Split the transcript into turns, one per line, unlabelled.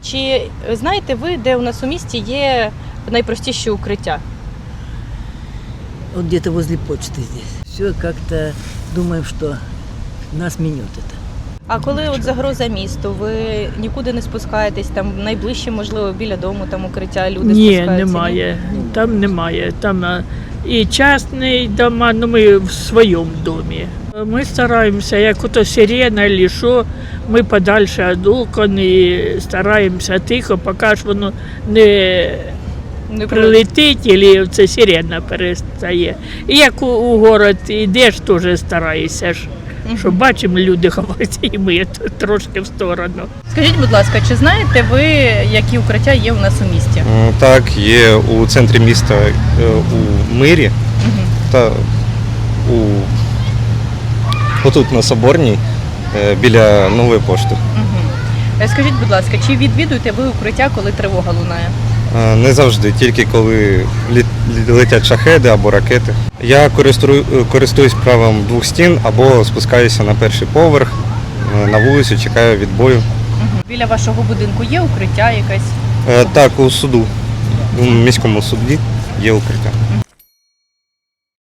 Чи знаєте ви, де у нас у місті є найпростіші укриття?
Вот где-то возле почты здесь. Все как-то думаем, что нас минет это.
А коли от загроза місту, ви нікуди не спускаєтесь, там найближче, можливо, біля дому там укриття, люди
Ні,
спускаються?
немає. Там немає. Там і частний дома, ну ми в своєму домі. Ми стараємося, як ото сирена або що, ми подальше від окон і стараємося тихо, поки ж воно не прилетить, або це сирена перестає. І як у город йдеш, теж стараєшся ж. Що бачимо, люди ховаються, і ми трошки в сторону.
Скажіть, будь ласка, чи знаєте ви, які укриття є у нас у місті?
Так, є у центрі міста у Мирі та отут на Соборній біля Нової пошти.
Скажіть, будь ласка, чи відвідуєте ви укриття, коли тривога лунає?
Не завжди, тільки коли летять шахеди або ракети. Я користуюсь правом двох стін або спускаюся на перший поверх, на вулицю, чекаю відбою.
Біля вашого будинку є укриття якесь?
Так, у суду, у міському суді є укриття.